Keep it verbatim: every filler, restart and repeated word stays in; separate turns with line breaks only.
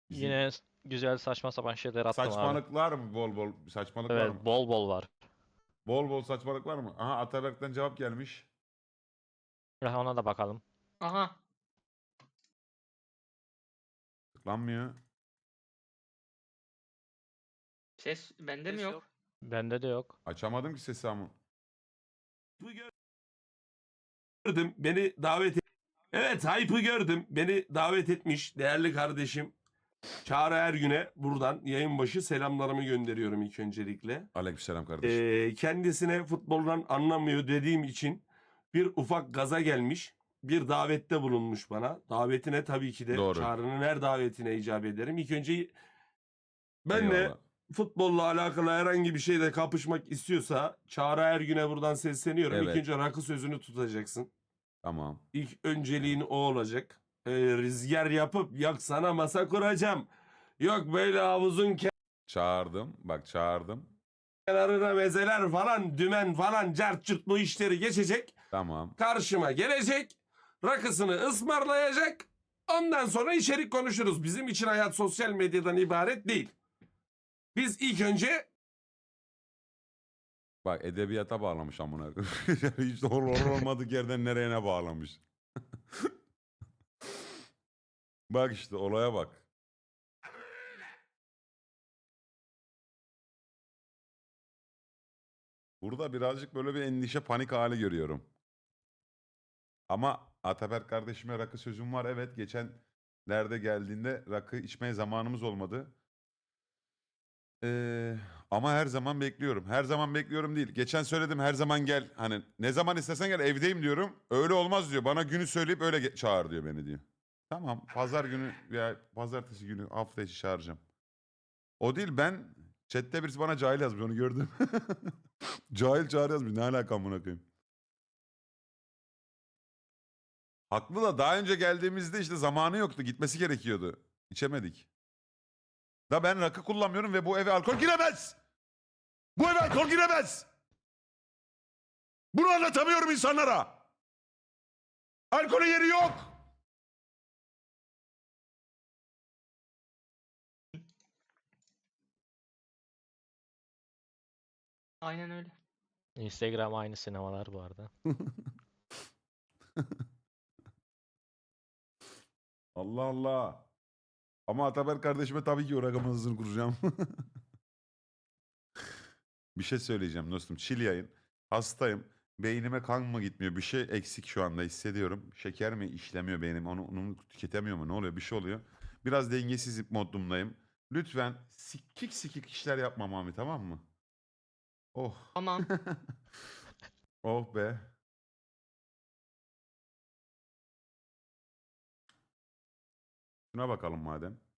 Bizim
Yine s- güzel saçma sapan şeyler attım abi.
saçmalık var mı bol bol? Saçmalık var
Evet,
mı?
bol bol var.
Bol bol saçmalık var mı? Aha, Ataberk'ten cevap gelmiş.
Ya ona da bakalım.
Aha.
Tıklanmıyor.
Ses bende mi
Ses
yok?
yok.
Bende de yok.
Açamadım ki sesi ama.
gördüm. Beni davet et. Evet, Hype'ı gördüm. Beni davet etmiş değerli kardeşim Çağrı Ergün'e buradan yayın başı selamlarımı gönderiyorum ilk öncelikle.
Aleykümselam kardeşim.
Ee, kendisine futboldan anlamıyor dediğim için bir ufak gaza gelmiş. Bir davette bulunmuş bana. Davetine tabii ki de
Doğru.
Çağrı'nın her davetine icap ederim. İlk önce ben de
Eyvallah.
futbolla alakalı herhangi bir şeyle kapışmak istiyorsa Çağrı Ergün'e buradan sesleniyorum.
Evet.
İlk önce rakı sözünü tutacaksın.
Tamam.
İlk önceliğin o olacak. Ee, rüzgar yapıp yok sana masa kuracağım. Yok böyle havuzun
Çağırdım. Bak çağırdım.
kenarına mezeler falan, dümen falan, cart curt bu işleri geçecek.
Tamam.
Karşıma gelecek. Rakısını ısmarlayacak. Ondan sonra içerik konuşuruz. Bizim için hayat sosyal medyadan ibaret değil. Biz ilk önce
Bak edebiyata bağlamış amına koyayım. Hiç doğru olmadık yerden nereye ne bağlamış. Bak işte olaya bak. Burada birazcık böyle bir endişe panik hali görüyorum. Ama Ataberk kardeşime rakı sözüm var. Evet, geçen nerede geldiğinde rakı içmeye zamanımız olmadı. Ee, ama her zaman bekliyorum. Her zaman bekliyorum değil. Geçen söyledim her zaman gel. Hani ne zaman istersen gel, evdeyim diyorum. Öyle olmaz diyor. Bana günü söyleyip öyle ge- çağır diyor beni diyor. Tamam, pazar günü veya pazartesi günü hafta içi çağıracağım. O değil, ben chatte birisi bana cahil yazmış, onu gördüm. Cahil çağır yazmış. Ne alaka amına koyayım. Haklı da, daha önce geldiğimizde işte zamanı yoktu. Gitmesi gerekiyordu. İçemedik. Da ben rakı kullanmıyorum ve bu eve alkol giremez. Bu eve alkol giremez. Bunu anlatamıyorum insanlara. Alkolün yeri yok.
Aynen öyle.
Instagram aynı sinemalar bu arada.
Allah Allah. Ama Ataberk kardeşime tabii ki o rakamın hızını kuracağım. Bir şey söyleyeceğim dostum. Chill yayın. Hastayım. Beynime kan mı gitmiyor? Bir şey eksik şu anda hissediyorum. Şeker mi işlemiyor beynim? Onu, onu tüketemiyor mu? Ne oluyor? Bir şey oluyor. Biraz dengesiz modumdayım. Lütfen sikik sikik işler yapma Mami, tamam mı? Oh.
Tamam.
Oh be. Şuna bakalım madem.